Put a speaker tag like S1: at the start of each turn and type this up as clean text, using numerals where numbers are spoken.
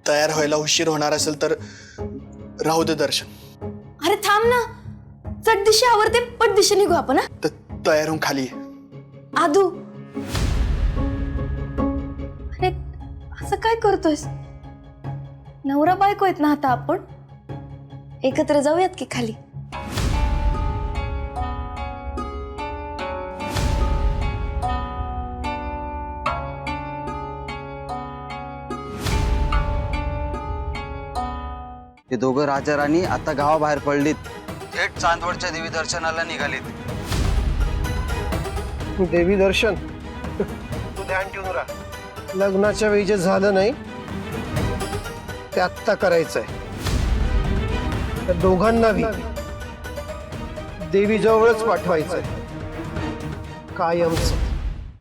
S1: तयार व्हायला उशीर होणार असेल तर राहू दे दर्शन.
S2: अरे थांब ना, चट दिशे आवरते पट दिशे निघू आपण.
S1: तयार होऊन खाली ये.
S2: आदू, अरे असं काय करतोयस? नवरा बायको आहेत ना आता आपण, एकत्र जाऊयात की खाली.
S3: ते दोघं राजा राणी आता गावाबाहेर पडलीत. थेट चांदवडच्या देवी दर्शनाला निघालीत.
S4: देवी दर्शन तू ध्यान ठेवून राहा. लग्नाच्या वेळी जे झालं नाही ते आत्ता करायचंय. त्या दोघांनाही देवी जवळच पाठवायचंय कायमचं.